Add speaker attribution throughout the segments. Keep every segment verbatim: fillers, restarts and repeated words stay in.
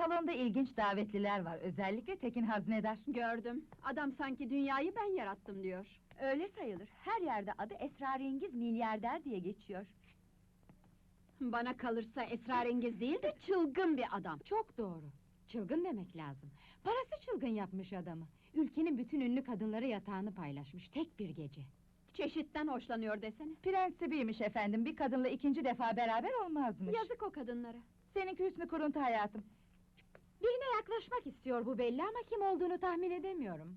Speaker 1: Salonda ilginç davetliler var, özellikle Tekin Haznedar.
Speaker 2: Gördüm, adam sanki dünyayı ben yarattım diyor.
Speaker 1: Öyle sayılır, her yerde adı esrarengiz milyarder diye geçiyor.
Speaker 2: Bana kalırsa esrarengiz değil de çılgın bir adam.
Speaker 3: Çok doğru. Çılgın demek lazım. Parası çılgın yapmış adamı. Ülkenin bütün ünlü kadınları yatağını paylaşmış, tek bir gece.
Speaker 2: Çeşitten hoşlanıyor desene.
Speaker 1: Prensibiymiş efendim, bir kadınla ikinci defa beraber olmazmış.
Speaker 2: Yazık o kadınlara.
Speaker 1: Seninki hüsnü kuruntu hayatım.
Speaker 3: Birine yaklaşmak istiyor bu belli ama kim olduğunu tahmin edemiyorum.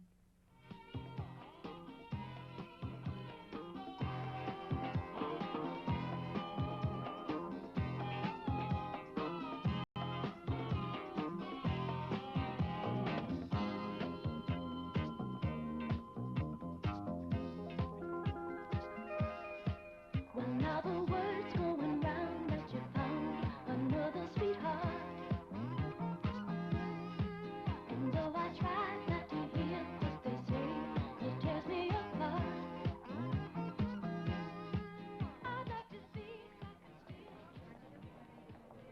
Speaker 4: Well, now the word's going round that you found another sweetheart. And though I try not to hear what they say, it tears me apart. I'd like to see if I can still...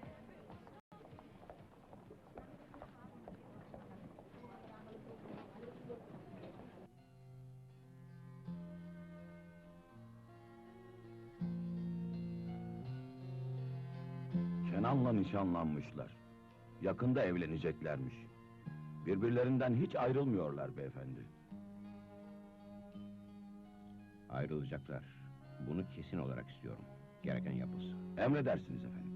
Speaker 5: Kenan'la nişanlanmışlar. Yakında evleneceklermiş. Birbirlerinden hiç ayrılmıyorlar beyefendi.
Speaker 6: Ayrılacaklar. Bunu kesin olarak istiyorum. Gereken yapılsın.
Speaker 5: Emredersiniz efendim.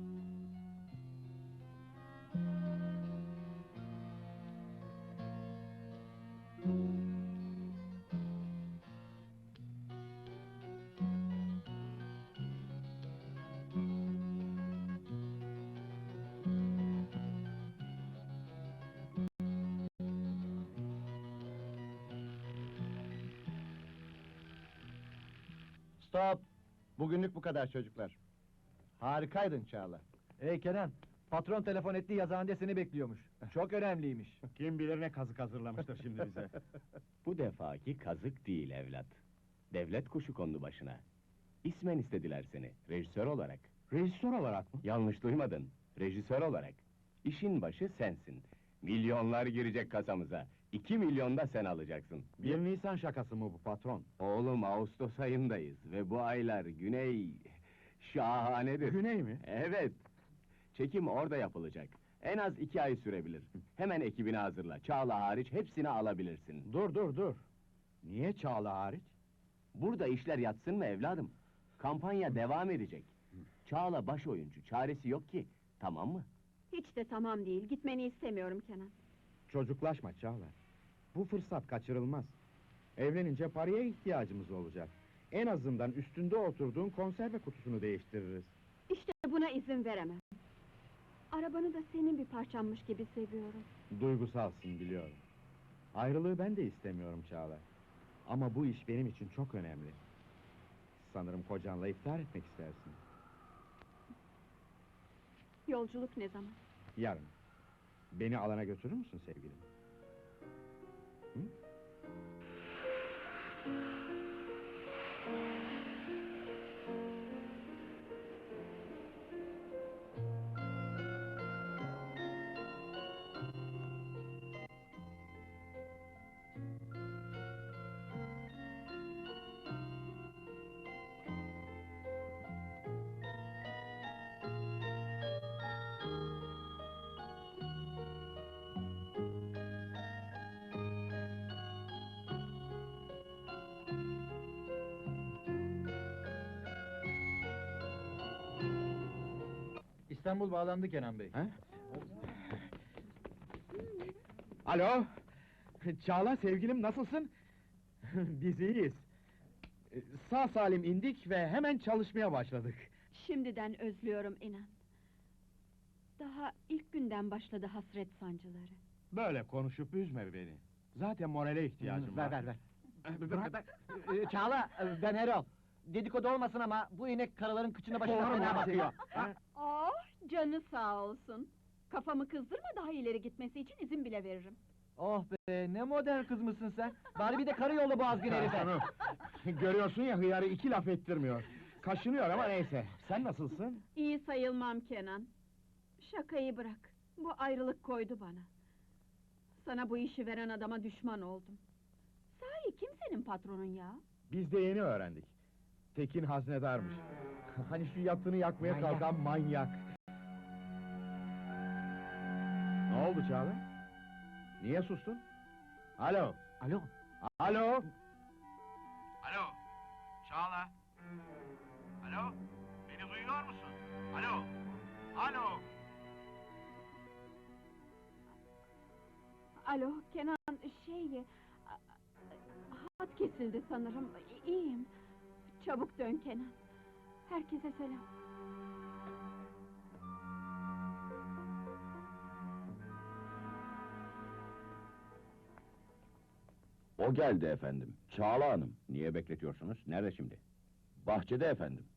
Speaker 7: Stop! Bugünlük bu kadar çocuklar. Harikaydın Çağla.
Speaker 8: Hey Kenan, patron telefon etti, yazıhanede seni bekliyormuş. Çok önemliymiş.
Speaker 7: Kim bilir ne kazık hazırlamıştır şimdi bize.
Speaker 6: Bu defaki kazık değil evlat. Devlet kuşu kondu başına. İsmen istediler seni, rejisör olarak.
Speaker 7: Rejisör olarak mı?
Speaker 6: Yanlış duymadın, rejisör olarak. İşin başı sensin. Milyonlar girecek kasamıza. İki milyon da sen alacaksın.
Speaker 7: Bir Nisan şakası mı bu patron?
Speaker 6: Oğlum, Ağustos ayındayız ve bu aylar güney... şahanedir.
Speaker 7: Güney mi?
Speaker 6: Evet. Çekim orada yapılacak. En az iki ay sürebilir. Hemen ekibini hazırla. Çağla hariç hepsini alabilirsin.
Speaker 7: Dur dur dur! Niye Çağla hariç?
Speaker 6: Burada işler yatsın mı evladım? Kampanya devam edecek. Çağla baş oyuncu, çaresi yok ki. Tamam mı?
Speaker 2: Hiç de tamam değil, gitmeni istemiyorum Kenan.
Speaker 7: Çocuklaşma Çağla. Bu fırsat kaçırılmaz. Evlenince paraya ihtiyacımız olacak. En azından üstünde oturduğun konserve kutusunu değiştiririz.
Speaker 2: İşte buna izin veremem. Arabanı da senin bir parçanmış gibi seviyorum.
Speaker 7: Duygusalsın biliyorum. Ayrılığı ben de istemiyorum Çağla. Ama bu iş benim için çok önemli. Sanırım kocanla iftar etmek istersin.
Speaker 2: Yolculuk ne zaman?
Speaker 7: Yarın. Beni alana götürür müsün sevgilim? Hı?
Speaker 8: İstanbul bağlandı Kenan Bey.
Speaker 7: Ha? Alo! Çağla sevgilim nasılsın? Biz iyiyiz. Sağ salim indik ve hemen çalışmaya başladık.
Speaker 2: Şimdiden özlüyorum inan. Daha ilk günden başladı hasret sancıları.
Speaker 7: Böyle konuşup üzme beni. Zaten morale ihtiyacım var.
Speaker 8: Ver ver ver.
Speaker 7: Bırak.
Speaker 8: Ee, Çağla, ben Erol. Dedikodu olmasın ama bu inek karıların kıçına başına
Speaker 7: Doğru
Speaker 8: fena
Speaker 7: mu?
Speaker 8: bakıyor.
Speaker 7: Ha?
Speaker 2: Oh, canı sağ olsun. Kafamı kızdırma, daha ileri gitmesi için izin bile veririm.
Speaker 8: Oh be, ne modern kız mısın sen? Bari bir de karı yolla bu azgın herife.
Speaker 7: Hanım, görüyorsun ya hıyarı iki laf ettirmiyor. Kaşınıyor ama neyse. Sen nasılsın?
Speaker 2: İyi sayılmam Kenan. Şakayı bırak. Bu ayrılık koydu bana. Sana bu işi veren adama düşman oldum. Sahi kim senin patronun ya?
Speaker 7: Biz de yeni öğrendik. Tekin haznedarmış. Hani şu yatını yakmaya
Speaker 3: Manyak.
Speaker 7: kalkan manyak. Ne oldu Çağla? Niye sustun? Alo,
Speaker 8: Alo.
Speaker 7: alo!
Speaker 9: Alo, Çağla. Alo, beni duyuyor musun? Alo, alo.
Speaker 2: Alo, Kenan, şey... a- Hat kesildi sanırım, İ- iyiyim. Çabuk dön Kenan. Herkese selam.
Speaker 5: O geldi efendim, Çağla Hanım.
Speaker 6: Niye bekletiyorsunuz? Nerede şimdi?
Speaker 5: Bahçede efendim.